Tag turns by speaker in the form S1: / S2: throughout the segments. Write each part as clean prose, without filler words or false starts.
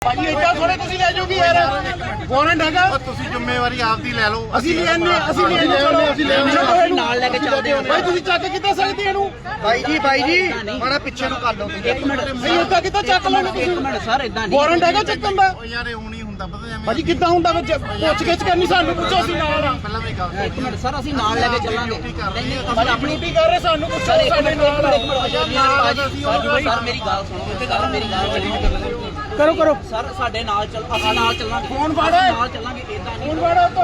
S1: ਭਾਜੀ ਇੱਦਾਂ ਥੋੜੇ ਤੁਸੀਂ ਲੈ ਜਾਓਗੇ ਯਾਰ ਵਾਰੰਟ ਹੈਗਾ
S2: ਤੁਸੀਂ ਜ਼ਿੰਮੇਵਾਰੀ ਆਪਦੀ ਲੈ ਲਓ।
S1: ਅਸੀਂ ਲੈ ਆਨੇ ਨਾਲ ਲੈ ਕੇ ਚੱਲਦੇ ਹੋ ਭਾਈ ਤੁਸੀਂ ਚੱਕ ਕਿੱਦਾਂ ਸਕਦੇ ਇਹਨੂੰ
S2: ਬਾਈ ਜੀ ਮਾੜਾ ਪਿੱਛੇ ਨੂੰ ਕਰ ਲਓ।
S3: ਇੱਕ ਮਿੰਟ
S1: ਨਹੀਂ ਇੱਦਾਂ ਕਿੱਦਾਂ ਚੱਕ ਲੈਣੇ ਤੁਸੀਂ
S3: ਇੱਕ ਮਿੰਟ ਸਰ ਇਦਾਂ ਨਹੀਂ
S1: ਵਾਰੰਟ ਹੈਗਾ ਚੱਕਣ ਦਾ
S2: ਉਹ ਯਾਰ ਇਹ ਨਹੀਂ ਹੁੰਦਾ ਪਤਾ ਐਵੇਂ
S1: ਭਾਜੀ ਕਿੱਦਾਂ ਹੁੰਦਾ ਵਿੱਚ ਪੁੱਛ ਗਿੱਛ ਕਰਨੀ ਸਾਨੂੰ ਪੁੱਛੋ ਅਸੀਂ ਨਾਲ ਆ
S2: ਪਹਿਲਾਂ ਵੀ ਗੱਲ
S3: ਇੱਕ ਮਿੰਟ ਸਰ ਅਸੀਂ ਨਾਲ ਲੈ ਕੇ ਚੱਲਾਂਗੇ ਨਹੀਂ ਨਹੀਂ
S1: ਭਾਜੀ ਆਪਣੀ ਡਿਊਟੀ ਕਰ ਰਹੇ ਸਾਨੂੰ ਪੁੱਛੋ
S3: ਸਰ ਇੱਕ
S1: ਸਾਡੇ
S3: ਮਿੰਟ
S1: ਨਾਲ
S3: ਸਰ ਮੇਰੀ ਗੱਲ ਸੁਣੋ ਇੱਥੇ ਗੱਲ ਮੇਰੀ ਗੱਲ
S1: ਕਰੋ
S3: ਸਰ ਸਾਡੇ ਨਾਲ ਚੱਲ ਆਪਾਂ ਨਾਲ ਚੱਲਾਂਗੇ
S1: ਫੋਨ ਫੜ
S3: ਨਾਲ ਚੱਲਾਂਗੇ ਇਦਾਂ ਨਹੀਂ
S1: ਫੋਨ ਫੜੋ ਤੋਂ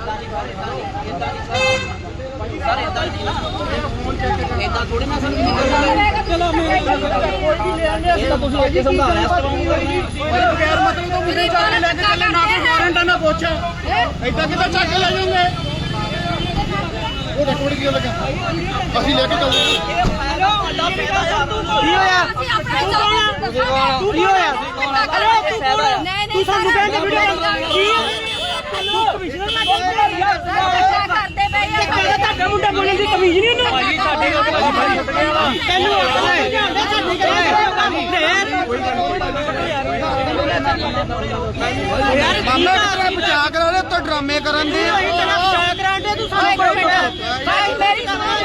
S3: ਸਰ ਇਦਾਂ ਨਹੀਂ ਇਦਾਂ ਥੋੜੀ ਨਾ ਸਰ
S1: ਚਲੋ ਮੇਰੇ
S3: ਇਹ ਤਾਂ ਤੁਸੀਂ ਅੱਗੇ ਸਮਝਾ ਰਹੇ
S1: ਭਾਈ ਬਗੈਰ ਮਤਲਬ ਤੋਂ ਮੇਰੇ ਜਾ ਕੇ ਲੈ ਕੇ ਚੱਲੇ ਨਾ ਕੋਈ ਵਾਰੰਟ ਆ ਨਾ ਪੁੱਛ ਏਦਾਂ ਕਿੱਦਾਂ ਚੱਕ ਕੇ ਲੈ ਜਾਓਗੇ ਉਹ ਰਿਕਾਰਡ ਕਿਉਂ ਲੱਗਾ ਅਸੀਂ ਲੈ ਕੇ ਚੱਲਦੇ
S3: ਕੀ ਹੋਇਆ
S4: ਤੂੰ ਕੀ ਹੋਇਆ ਤੂੰ ਸਾਨੂੰ ਕਹਿੰਦੇ ਵੀਡੀਓ ਕੀ ਤੂੰ ਕਮਿਸ਼ਨਰ ਮੈਂ ਕਰਦੇ ਪਏ ਤੁਹਾਡਾ ਮੁੰਡਾ ਬੋਲਣ ਦੀ ਕਮਿਸ਼ਨ ਨਹੀਂ ਉਹਨੂੰ ਭਾਈ ਸਾਡੇ ਤੈਨੂੰ
S1: ਮਾਮਲਾ ਬਚਾ ਕਰਾ ਲੈ ਤੋ ਡਰਾਮੇ ਕਰਨ ਦੇ
S4: ਬਚਾ ਕਰਾਂਦੇ ਤੂੰ ਸਾਨੂੰ ਭਾਈ ਮੇਰੀ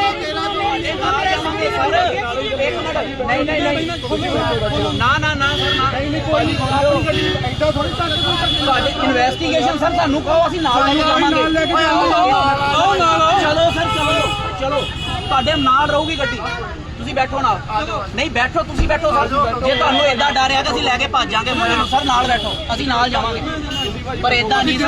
S3: ਤੁਹਾਡੀ ਇਨਵੈਸਟੀਗੇਸ਼ਨ ਸਰ ਸਾਨੂੰ ਕਹੋ ਅਸੀਂ ਨਾਲ ਲੈ ਕੇ ਜਾਵਾਂਗੇ ਚਲੋ ਸਰ ਚਲੋ ਤੁਹਾਡੇ ਨਾਲ ਰਹੂਗੀ ਗੱਡੀ ਤੁਸੀਂ ਬੈਠੋ ਨਾਲ ਨਹੀਂ ਬੈਠੋ ਤੁਸੀਂ ਬੈਠੋ ਸਰ ਜੇ ਤੁਹਾਨੂੰ ਏਦਾਂ ਡਰ ਆ ਕਿ ਅਸੀਂ ਲੈ ਕੇ ਭੱਜ ਜਾਾਂਗੇ ਮੁੰਡੇ ਨੂੰ ਸਰ ਨਾਲ ਬੈਠੋ ਅਸੀਂ ਨਾਲ ਜਾਵਾਂਗੇ ਪਰ ਏਦਾਂ ਨਹੀਂ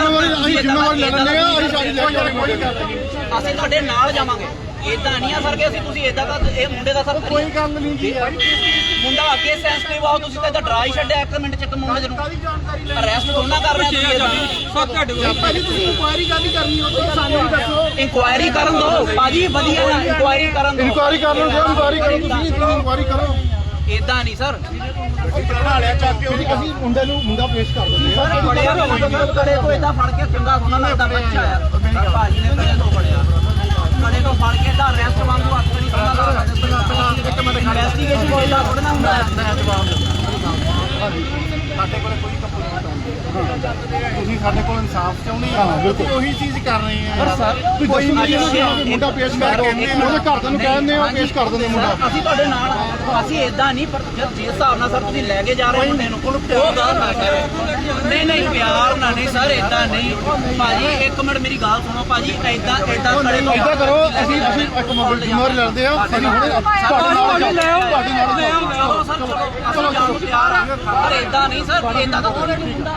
S3: ਅਸੀਂ ਤੁਹਾਡੇ ਨਾਲ ਜਾਵਾਂਗੇ ਏਦਾਂ ਨਹੀਂ ਆ ਸਰ ਕਿ ਅਸੀਂ ਤੁਸੀਂ ਏਦਾਂ ਦਾ ਇਹ ਮੁੰਡੇ ਦਾ ਸਰ
S1: ਕੋਈ ਗੱਲ ਨਹੀਂ ਜੀ
S3: ਮੁੰਡਾ ਅੱਗੇ ਸੈਂਸਿਟਿਵ ਆਓ ਤੁਸੀਂ ਤਾਂ ਇਹਦਾ ਡਰਾ ਹੀ ਛੱਡਿਆ 1 ਮਿੰਟ ਚ ਇੱਕ ਮੁੰਡੇ ਨੂੰ ਅਰੈਸਟ ਥੋੜਾ ਕਰ ਰਹੇ ਤੁਸੀਂ
S1: ਭਾਜੀ ਤੁਸੀਂ ਇਨਕੁਆਇਰੀ ਕਾਹਦੀ ਕਰਨੀ ਹੋ ਤੁਸੀਂ ਸਾਨੂੰ ਵੀ ਦੱਸੋ
S3: ਇਨਕੁਆਇਰੀ ਕਰਨ ਦੋ ਭਾਜੀ ਵਧੀਆ ਇਨਕੁਆਇਰੀ ਕਰਨ ਦੋ
S1: ਇਨਕੁਆਇਰੀ ਕਰ ਲਓ ਇਨਕੁਆਇਰੀ ਕਰੋ ਤੁਸੀਂ ਇਨਕੁਆਇਰੀ ਕਰੋ
S3: ਏਦਾਂ ਨਹੀਂ ਸਰ
S1: ਬਣਾ ਲਿਆ ਚੱਕ ਕੇ ਉਹਦੀ ਅਸੀਂ ਮੁੰਡਾ ਪੇਸ਼ ਕਰ ਦਿੰਦੇ
S3: ਸਰ ਬੜਿਆ ਕੜੇ ਤੋਂ ਏਦਾਂ ਫੜ ਕੇ ਚੰਗਾ ਸੋਨਾ ਲੱਗਦਾ ਬੱਚਾ ਆ ਭਾਜੀ ਨੇ ਕੜੇ ਤੋਂ ਫੜਿਆ ਕੜੇ ਤੋਂ ਫੜ ਕੇ ਦਾ ਅਰੈਸਟ ਵਾਂਗੂ ਹੱਥ ਨਹੀਂ ਸੋਨਾ ਇਨਵੈਸਟੀਗੇਸ਼ਨ ਕੋਈ ਦਾ ਥੋੜਾ ਹੁੰਦਾ
S2: ਮੈਂ ਜਵਾਬ ਦਿੰਦਾ ਸਾਡੇ ਕੋਲ ਕੋਈ ਕੰਪਲੇਂਟ ਤੁਸੀਂ ਸਾਡੇ ਕੋਲ ਇਨਸਾਫ ਚਾਹੁੰਦੇ ਆ ਤੁਸੀਂ ਉਹੀ ਚੀਜ਼ ਕਰ ਰਹੇ ਆ
S1: ਪਰ ਸਰ ਕੋਈ ਮੁੰਡਾ ਪੇਸ਼ ਕਰ ਦੋ ਉਹਦੇ ਘਰਦਿਆਂ ਨੂੰ ਕਹਿੰਦੇ ਹੋ ਪੇਸ਼ ਕਰ ਦਿੰਦੇ ਮੁੰਡਾ
S3: ਅਸੀਂ ਤੁਹਾਡੇ ਨਾਲ ਅਸੀਂ ਏਦਾਂ ਨਹੀਂ ਪਰ ਜਿਸ ਹਿਸਾਬ ਨਾਲ ਸਰ ਤੁਸੀਂ ਲੈ ਕੇ ਜਾ ਰਹੇ ਮੁੰਡੇ ਨੂੰ ਉਹ ਗਲਤ ਆ ਸਰ ਨਹੀਂ ਪਿਆਰ ਨਾਲ ਨਹੀਂ ਸਰ ਏਦਾਂ ਨਹੀਂ ਭਾਜੀ 1 ਮਿੰਟ ਮੇਰੀ ਗੱਲ ਸੁਣੋ ਭਾਜੀ ਏਦਾਂ ਕਰੇ ਤੋਂ
S1: ਏਦਾਂ ਕਰੋ ਅਸੀਂ ਇੱਕ ਜ਼ਿੰਮੇਵਾਰੀ ਲੈਂਦੇ ਆ ਅਸੀਂ ਹੁਣੇ ਤੁਹਾਡੇ ਨਾਲ
S3: ਚਲੋ ਸਰ ਚਲੋ ਅਸੀਂ ਜਾਣੂ ਪਿਆਰ ਆ ਪਰ ਏਦਾਂ ਨਹੀਂ ਸਰ ਏਦਾਂ ਤਾਂ ਕੋਈ ਨਹੀਂ ਹੁੰਦਾ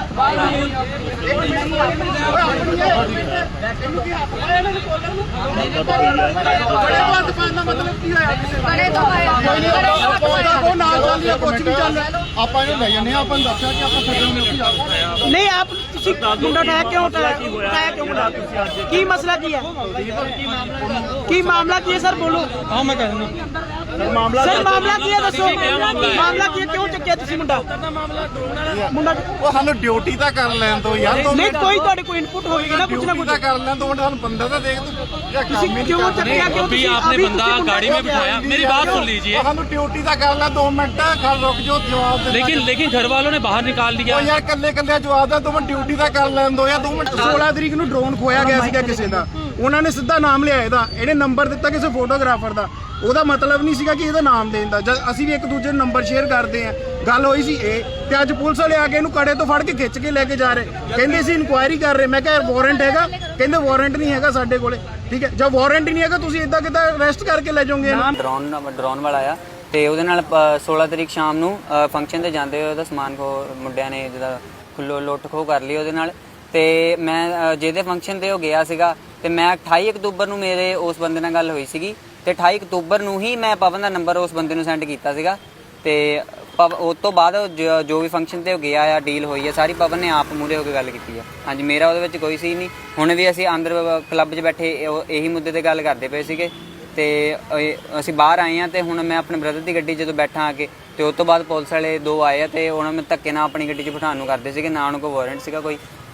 S1: ਮਤਲਬ ਕੀ ਹੋਇਆ
S4: ਬੜੇ ਤੋਂ
S1: ਉਹ ਨਾਲ ਚੱਲਦੀ ਆ ਕੁਝ ਵੀ ਚੱਲ ਆਪਾਂ ਇਹਨੂੰ ਲੈ ਜਾਂਦੇ ਆ ਆਪਾਂ ਨੂੰ ਦੱਸਿਆ ਕਿ ਆਪਾਂ ਛੱਡਣ ਨੂੰ
S5: नहीं आप मुंडा उठाया क्यों उठाया क्यों मुंडा की मसला की है की मामला की है सर बोलो हाँ मैं कह रहा सर मामला की है दसो मामला की है क्यों चुक्या तुसी मुंडा मुंडा
S2: ਉਹ ਸਾਨੂੰ ਡਿਊਟੀ ਤਾਂ ਕਰ ਲੈਣ ਦੋ ਯਾਰ
S5: नहीं कोई ਤੁਹਾਡੇ कोई इनपुट होएगी ना कुछ ना कुछ
S2: ਤਾਂ ਕਰ ਲੈਣ ਦੋ ਸਾਨੂੰ ਬੰਦਾ ਤਾਂ ਦੇਖ ਤੂੰ
S5: क्यों चुक्या क्यों
S6: अभी आपने बंदा गाड़ी में बिठाया मेरी बात सुन लीजिए
S2: ਸਾਨੂੰ ਡਿਊਟੀ ਤਾਂ ਕਰ ਲੈ 2 ਮਿੰਟ ਖੜ ਰੁਕ ਜੋ ਜਵਾਬ ਦੇ
S6: लेकिन घर वालों ने बाहर निकाल दिया
S2: ਉਹ ਯਾਰ ਕੱਲੇ ਜਵਾਬ ਦਾ 2 ਮਿੰਟ ਡਿਊਟੀ ਤਾਂ ਕਰ ਲੈਣ ਦੋ ਯਾਰ 2 ਮਿੰਟ
S1: 16 ਤਰੀਕ ਨੂੰ ਡਰੋਨ ਖੋਇਆ ਗਿਆ ਸੀਗਾ ਕਿਸੇ ਦਾ ਉਹਨਾਂ ਨੇ ਸਿੱਧਾ ਨਾਮ ਲਿਆ ਇਹਦਾ ਇਹਨੇ ਨੰਬਰ ਦਿੱਤਾ ਕਿਸੇ ਫੋਟੋਗ੍ਰਾਫਰ ਦਾ ਉਹਦਾ ਮਤਲਬ ਨਹੀਂ ਸੀਗਾ ਕਿ ਇਹਦਾ ਨਾਮ ਦੇਣ ਦਾ ਜਦ ਅਸੀਂ ਵੀ ਇੱਕ ਦੂਜੇ ਨੂੰ ਨੰਬਰ ਸ਼ੇਅਰ ਕਰਦੇ ਆ ਗੱਲ ਹੋਈ ਸੀ ਇਹ ਤੇ ਅੱਜ ਪੁਲਿਸ ਵਾਲੇ ਆ ਕੇ ਇਹਨੂੰ ਕੜੇ ਤੋਂ ਫੜ ਕੇ ਖਿੱਚ ਕੇ ਲੈ ਕੇ ਜਾ ਰਹੇ ਕਹਿੰਦੇ ਸੀ ਇਨਕੁਆਇਰੀ ਕਰ ਰਹੇ ਮੈਂ ਕਿਹਾ ਵਾਰੰਟ ਹੈਗਾ ਕਹਿੰਦੇ ਵਾਰੰਟ ਨਹੀਂ ਹੈਗਾ ਸਾਡੇ ਕੋਲੇ ਠੀਕ ਹੈ ਜਦ ਵਾਰੰਟ ਹੀ ਨਹੀਂ ਹੈਗਾ ਤੁਸੀਂ ਇਦਾਂ ਕਿੱਦਾਂ ਅਰੈਸਟ ਕਰਕੇ ਲੈ ਜਾਓਗੇ
S7: ਡਰੋਨ ਵਾਲਾ ਆ ਤੇ ਉਹਦੇ ਨਾਲ 16 ਤਰੀਕ ਸ਼ਾਮ ਨੂੰ ਫੰਕਸ਼ਨ ਤੇ ਜਾਂਦੇ ਹੋਏ ਉਹਦਾ ਸਮਾਨ ਮੁੰਡਿਆਂ ਨੇ ਜਿਹਦਾ ਲੁੱਟ ਖੋਹ ਕਰ ਲਈ ਉਹਦੇ ਨਾਲ ਤੇ ਮੈਂ ਜਿਹਦੇ ਫੰਕਸ਼ਨ ਤੇ ਉਹ ਗਿਆ ਸੀਗਾ ਤੇ ਮੈਂ 28 ਅਕਤੂਬਰ ਨੂੰ ਮੇਰੇ ਉਸ ਬੰਦੇ ਨਾਲ ਗੱਲ ਹੋਈ ਸੀਗੀ ਤੇ 28 ਅਕਤੂਬਰ ਨੂੰ ਹੀ ਮੈਂ ਪਵਨ ਦਾ ਨੰਬਰ ਉਸ ਬੰਦੇ ਨੂੰ ਸੈਂਡ ਕੀਤਾ ਸੀਗਾ ਤੇ ਉਸ ਤੋਂ ਬਾਅਦ ਜੋ ਵੀ ਫੰਕਸ਼ਨ ਤੇ ਉਹ ਗਿਆ ਆ ਡੀਲ ਹੋਈ ਹੈ ਸਾਰੀ ਪਵਨ ਨੇ ਆਪ ਮੂਹਰੇ ਹੋ ਕੇ ਗੱਲ ਕੀਤੀ ਆ ਹਾਂਜੀ ਮੇਰਾ ਉਹਦੇ ਵਿੱਚ ਕੋਈ ਸੀ ਨਹੀਂ ਹੁਣ ਵੀ ਅਸੀਂ ਅੰਦਰ ਕਲੱਬ 'ਚ ਬੈਠੇ ਇਹੀ ਮੁੱਦੇ ਤੇ ਗੱਲ ਕਰਦੇ ਪਏ ਸੀਗੇ ਤੇ ਅਸੀਂ ਬਾਹਰ ਆਏ ਆ ਤੇ ਹੁਣ ਮੈਂ ਆਪਣੇ ਬ੍ਰਦਰ ਦੀ ਗੱਡੀ ਜਦੋਂ ਬੈਠਾ ਆ ਕੇ ਤੇ ਉਸ ਤੋਂ ਬਾਅਦ ਪੁਲਿਸ ਵਾਲੇ 2 ਆਏ ਆ ਤੇ ਉਹਨਾਂ ਨੂੰ ਧੱਕੇ ਨਾਲ ਆਪਣੀ ਗੱਡੀ 'ਚ ਬਿਠਾਉਣ ਨੂੰ ਕਰਦੇ ਸੀਗੇ ਨਾ ਉਹਨਾਂ ਕੋਲ ਵਾਰੰਟ ਸੀਗਾ ਕੋਈ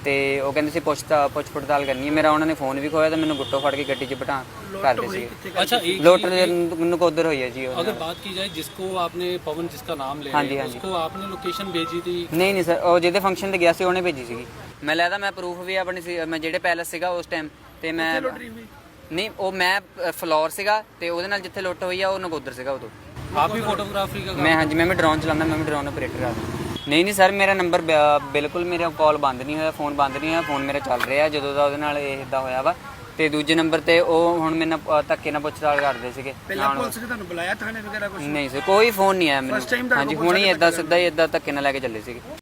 S7: ਤੇ ਉਹ ਕਹਿੰਦੇ ਸੀ ਪੁੱਛ ਪੜਤਾਲ ਕਰਨੀ ਹੈ। ਮੇਰਾ ਉਹਨਾਂ ਨੇ ਫੋਨ ਵੀ ਖੋਇਆ ਤੇ ਮੈਨੂੰ ਗੁੱਟੋ ਫੜ ਕੇ ਗੱਡੀ 'ਚ ਬਿਠਾ ਕਰਦੇ ਸੀ।
S6: अच्छा एक
S7: ਲੋਟ ਨਕੋਦਰ ਹੋਈ ਹੈ ਜੀ ਉਹ।
S6: अगर बात की जाए जिसको आपने पवन जिसका नाम ले
S7: हाँ
S6: रहे
S7: जी,
S6: हैं,
S7: हाँ जी।
S6: उसको आपने लोकेशन भेजी थी?
S7: ਨਹੀਂ ਸਰ, ਉਹ ਜਿਹਦੇ ਫੰਕਸ਼ਨ ਤੇ ਗਿਆ ਸੀ ਉਹਨੇ ਭੇਜੀ ਸੀਗੀ। ਮੈਂ ਲੈਦਾ ਮੈਂ ਪ੍ਰੂਫ ਵੀ ਆਪਣੀ ਸੀ, ਮੈਂ ਜਿਹੜੇ ਪੈਲਸ ਸੀਗਾ ਉਸ ਟਾਈਮ ਤੇ ਮੈਂ ਨਹੀਂ, ਉਹ ਮੈਂ ਫਲੋਰ ਸੀਗਾ ਤੇ ਉਹਦੇ ਨਾਲ ਜਿੱਥੇ ਲੁੱਟ ਹੋਈ ਆ ਉਹ ਨਕੋਦਰ ਸੀਗਾ ਉਦੋਂ।
S6: आप भी फोटोग्राफी का
S7: ਮੈਂ ਹਾਂਜੀ, ਮੈਂ ਵੀ ਡਰੋਨ ਚਲਾਉਂਦਾ, ਮੈਂ ਵੀ ਡਰੋਨ ਆਪਰੇਟਰ ਆ। ਨਹੀਂ ਸਰ, ਮੇਰਾ ਨੰਬਰ ਬਿਲਕੁਲ, ਮੇਰਾ ਕਾਲ ਬੰਦ ਨਹੀਂ ਹੋਇਆ, ਫੋਨ ਬੰਦ ਨਹੀਂ ਹੋਇਆ, ਫੋਨ ਮੇਰਾ ਚੱਲ ਰਿਹਾ ਜਦੋਂ ਦਾ ਉਹਦੇ ਨਾਲ ਇਹ ਇਦਾਂ ਹੋਇਆ ਵਾ। ਤੇ ਦੂਜੇ ਨੰਬਰ ਤੇ ਉਹ ਹੁਣ ਮੇਰੇ ਨਾਲ ਧੱਕੇ ਨਾਲ ਪੁੱਛਤਾਲ ਕਰਦੇ ਸੀਗੇ।
S5: ਪਹਿਲਾਂ ਪੁਲਿਸ ਨੇ ਤੁਹਾਨੂੰ ਬੁਲਾਇਆ ਥਾਣੇ ਵਗੈਰਾ ਕੁਝ?
S7: ਨਹੀਂ ਸਰ, ਕੋਈ ਫੋਨ ਨਹੀਂ ਆਇਆ ਮੈਨੂੰ। ਹਾਂਜੀ, ਹੁਣ ਹੀ ਇਦਾਂ ਸਿੱਧਾ ਹੀ ਇਦਾਂ ਧੱਕੇ ਨਾਲ ਲੈ ਕੇ ਚੱਲੇ ਸੀਗੇ।